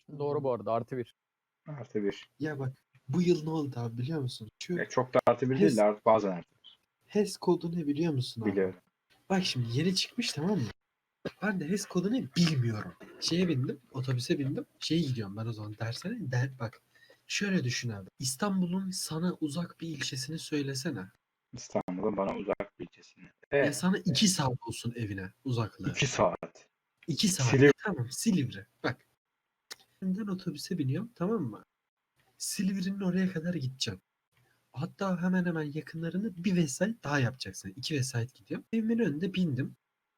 Doğru bu arada, +1. Artı bir. Ya bak bu yıl ne oldu abi biliyor musun? Şu Çok da artı bir değil de bazen artı HES kodu ne biliyor musun bir. abi? Biliyorum. Bak şimdi yeni çıkmış tamam mı? Ben de HES kodu ne bilmiyorum. Şeye bindim, otobüse bindim. Şeye gidiyorum ben o zaman dersene. Bak şöyle düşün abi. İstanbul'un sana uzak bir ilçesini söylesene. İstanbul'un bana uzak bir ilçesine. Ya sana 2 saat olsun evine uzaklığı. 2 saat. 2 saat. Silivri. Tamam Silivri. Bak. Şimdiden otobüse biniyorum tamam mı? Silivri'nin oraya kadar gideceğim. Hatta hemen hemen yakınlarını bir vesait daha yapacaksın. 2 vesait gidiyorum. Evimin önünde bindim.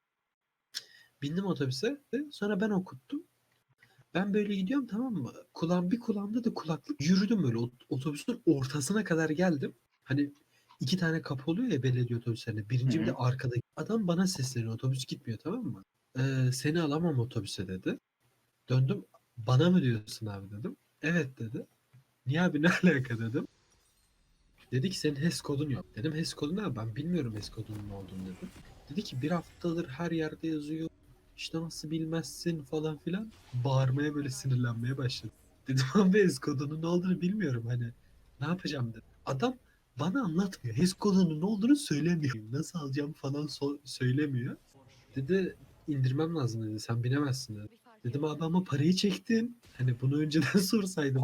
Bindim otobüse. Sonra ben okuttum. Ben böyle gidiyorum tamam mı? Bir kulağımda da kulaklık. Yürüdüm böyle otobüsün ortasına kadar geldim. Hani 2 tane kapı oluyor ya belediye otobüslerinde. Birinci bir de arkada. Adam bana sesleniyor. Otobüs gitmiyor tamam mı? Seni alamam otobüse dedi. Döndüm. Bana mı diyorsun abi dedim. Evet dedi. Niye abi ne alaka dedim. Dedi ki senin HES kodun yok. Dedim HES kodu ne? Ben bilmiyorum HES kodunun ne olduğunu dedim. Dedi ki bir haftadır her yerde yazıyor. İşte nasıl bilmezsin falan filan. Bağırmaya böyle sinirlenmeye başladı. Dedim abi HES kodunun ne olduğunu bilmiyorum hani. Ne yapacağım dedim. Adam bana anlatmıyor. HES kodunun ne olduğunu söylemiyor. Nasıl alacağım falan söylemiyor. Dedi indirmem lazım dedi. Sen binemezsin dedi. Dedim abi ama parayı çektin. Hani bunu önceden sorsaydım.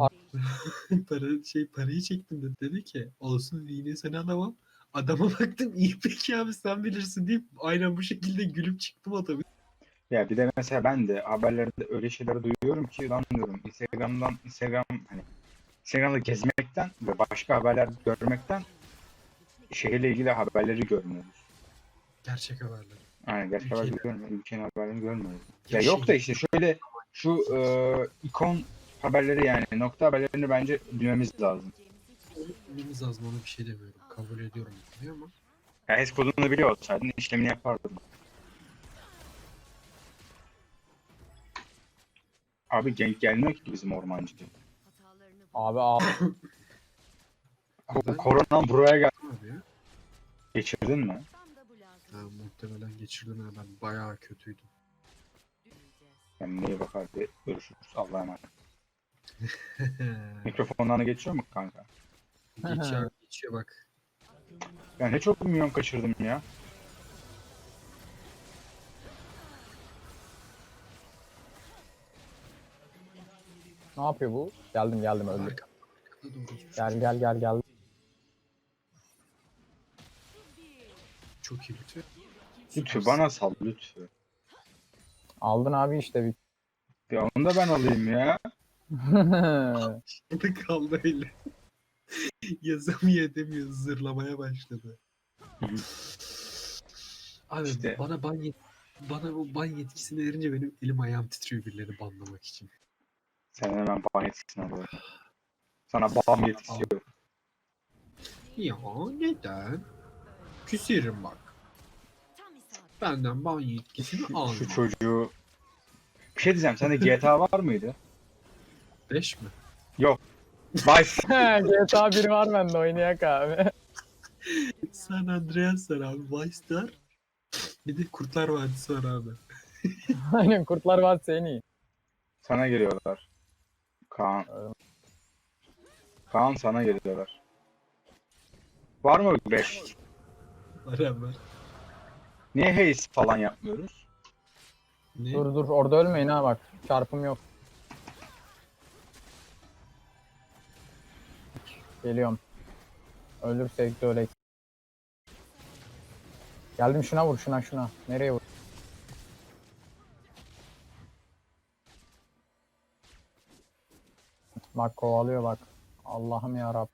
Parayı çektim dedi. Dedi ki olsun yine seni alamam. Adama baktım iyi peki abi sen bilirsin deyip aynen bu şekilde gülüp çıktım otobüs. Ya bir de mesela ben de haberlerde öyle şeyleri duyuyorum ki lan diyorum Instagram'da gezmekten ve başka haberler görmekten şehirle ilgili haberleri görmüyoruz. Gerçek haberler. Yani gerçek haberleri Ülkenin- görmüyoruz. Ülkenin haberlerini görmüyoruz. Ya Ya yok da şey- işte şöyle şu ikon haberleri yani nokta haberlerini bence bilmemiz lazım. Onu bilmemiz lazım ona bir şey demiyorum. Kabul ediyorum diyor ama. Ya HES kodunu biliyor olsaydın işlemini yapardın. Abi genk gelmiyor ki bizim ormancı. Abi Ben- Korona buraya gel. Abi ya. Geçirdin mi? Ha, muhtemelen geçirdim ha ben bayağı kötüydüm. Yani neye bak hadi görüşürüz. Allah'a emanet. Mikrofonlarına geçiyor mu kanka? Geçiyor bak. Ya ne çok milyon kaçırdım ya. ne yapıyor bu? Geldim öldüm. Arkada doğru. Gel. Çok iyi lütfen. Lütfü bana sal lütfü. Aldın abi işte bir. Ya onu da ben alayım ya. Orada kaldı öyle. Yazamıyor edemiyor. Zırlamaya başladı. Abi İşte. bana o ban yetkisini verince benim elim ayağım titriyor birileri banlamak için. Sen hemen ban yetkisini alıyorsun. Sana ban yetkisi yok. Ya neden? Küserim bak. Benden ban yetkisini alma. Şu çocuğu... Bir şey diyeceğim. Sende GTA var mıydı? 5 mi? Yok. Vice. GTA 1 var bende oynayak abi. San Andreas var abi. Vice var. Bir de Kurtlar Vadisi var abi. Aynen Kurtlar Vadisi en iyi. Sana geliyorlar. Kaan. Kaan sana geliyorlar. Var mı 5? Var abi var. Niye haze falan yapmıyoruz? Ne? Dur orada ölmeyin ha bak. Çarpım yok. Geliyorum. Ölürsek de öyle. Geldim şuna vur şuna. Nereye vur? Bak kovalıyor bak. Allah'ım ya Rab.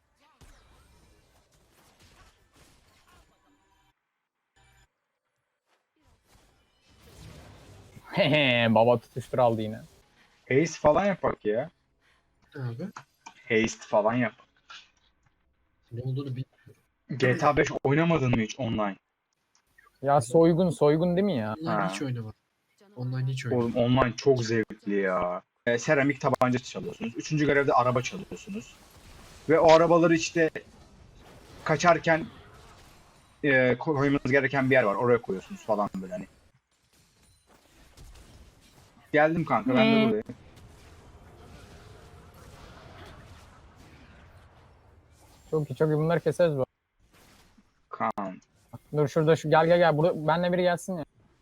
Baba tutuştur aldı yine. Haze falan yapak ya. Abi. Haste falan yap. Ne olduğunu bilmiyorum. GTA 5 oynamadın mı hiç online? Ya soygun değil mi ya? Online Ha. hiç oynamadım. Online hiç Oğlum oynamadım. online çok zevkli ya. Seramik tabanca çalıyorsunuz. Üçüncü görevde araba çalıyorsunuz. Ve o arabaları işte kaçarken koymanız gereken bir yer var. Oraya koyuyorsunuz falan böyle hani. Geldim kanka ben de buradayım. Çok iyi çok iyi, bunları keseriz bu. Kaan. Dur şurada şu, gel gel gel, burada benle biri gelsin ya.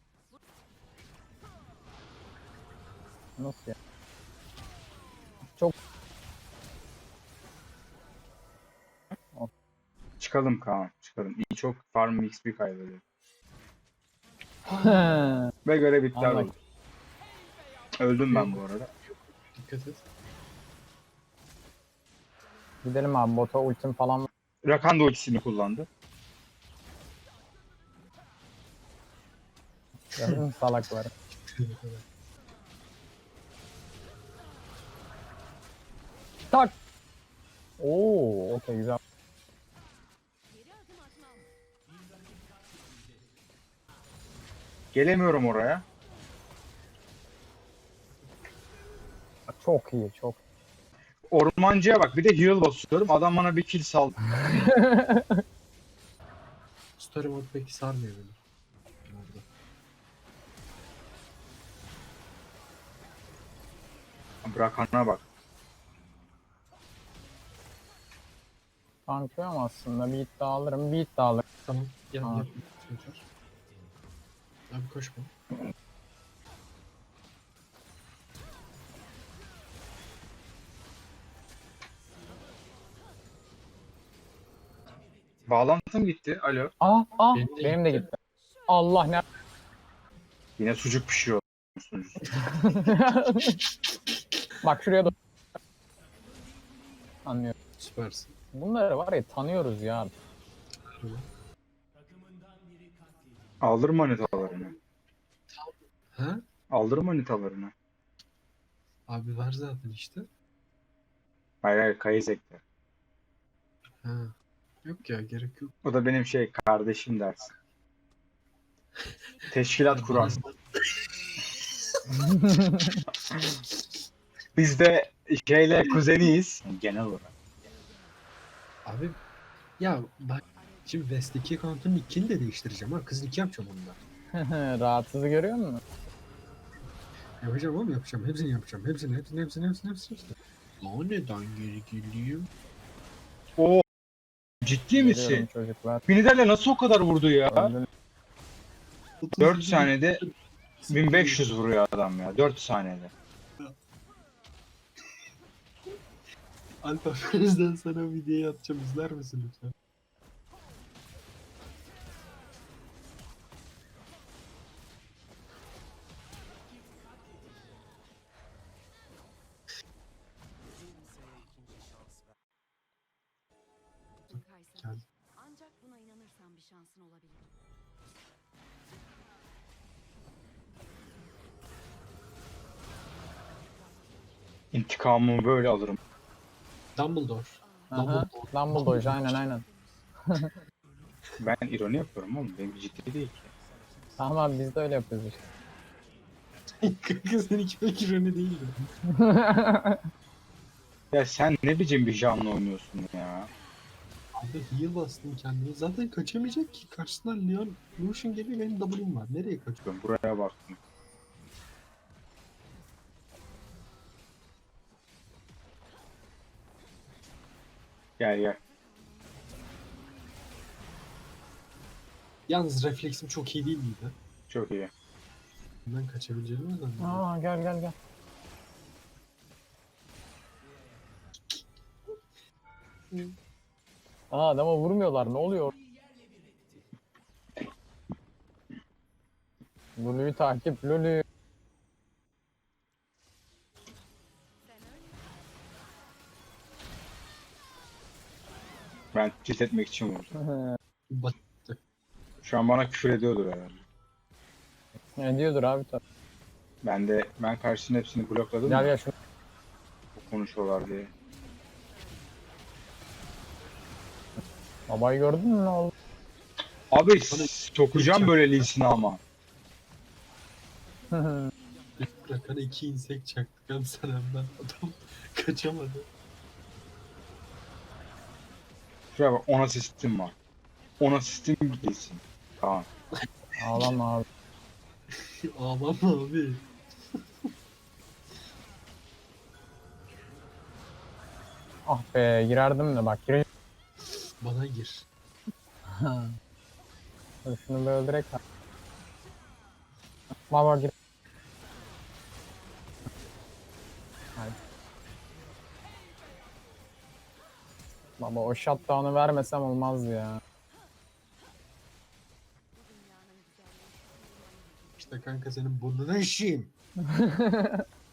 Nasıl ya? Çok Çıkalım Kaan. Çıkalım. İyi, çok farm XP kaybediyor. Ve görev iptal Anladım. oldu. Öldüm ben bu arada. Dikkat et. Gidelim abi, bota ultim falan var. Rakan da ultisini kullandı. Gördün mü salakları? Tak. Oo, okey güzel. Gelemiyorum oraya. Çok iyi çok. Ormancıya bak, bir de heal basıyorum. Adam bana bir kill saldı. Story mode pek sarmıyor beni. Orada. Rakan'a bak. Tanklıyorum aslında, bir hit daha alırım, bir hit daha alırım. Tamam. Gel Aa. yap. Tekrar. Abi koşma. Bağlantım gitti. Alo. Ah Benim de benim de gitti. gitti. Allah ne. Yine sucuk pişiyor. Sunucusu. Bak şuraya da. Anlıyorum. Süpersin. Bunları var ya, tanıyoruz ya. Harbi. Aldır manitalarını. Ha? Aldır manitalarını. Abi var zaten işte. Hayır hayır, Kayızek'te. Ha. Yok ya, gerek yok. O da benim kardeşim dersin. Teşkilat kuran. Biz de kuzeniyiz. Genel olarak. Abi ya bak, şimdi West'teki account'un nickini de değiştireceğim ha. Kız nick yapacağım onda. Rahatsızı görüyor musun? Yapacağım oğlum, yapacağım. Hepsini yapacağım. Hepsini. Lan neden geri geleyim? Oo, ciddi Görüyorum misin? çocuklar. Miniderle nasıl o kadar vurdu ya? Öldün. 4 saniyede 1500 vuruyor adam ya. 4 saniyede. Alper, bizden sana videoyu atacağım. İzler misin lütfen? Gel. Ancak buna inanırsan bir şansın olabilir. İntikamımı böyle alırım. Dumbledore. Aha, Dumbledore aynen. Ben ironi yapıyorum oğlum. Benim ciddi değil ki. Tamam abi, biz de öyle yapıyoruz işte. Kanka seninki pek ironi değildi. Ya sen ne biçim bir canlı oynuyorsun ya? Abi heal bastım kendime. Zaten kaçamayacak ki. Karşısından Leon, Lucian geliyor, benim W'm var. Nereye kaçıyor? Ben buraya baktım. Gel gel. Yalnız refleksim çok iyi değil miydi? Çok iyi. Ben kaçabileceğimi mi zannediyorum? Aa, gel. Aa, adama vurmuyorlar, ne oluyor? Lulu'yu takip, Lulu. Ben cilt etmek için vurdum. Bak, Şu an bana küfür ediyordur herhalde. Ne diyordur abi tabii. Ben karşısının hepsini blokladım Gel da gel şunu. konuşuyorlar diye. Babayı gördün mü, ne oldu? Abi sokacağım böyle Lee'sini ama. Rakan'a 2 insek çaktık hem sen hem ben. Adam kaçamadı. Şuraya bak, 10 asistim var. 10 asistim gitsin. Tamam. Ağlama abi. Ağlama abi. Ah be, girerdim de bak. Bana gir. Dur şunu bir öldürek. Baba gir. Hadi. Baba o shutdown'u vermesem olmazdı ya. İşte kanka senin burnuna işeyim.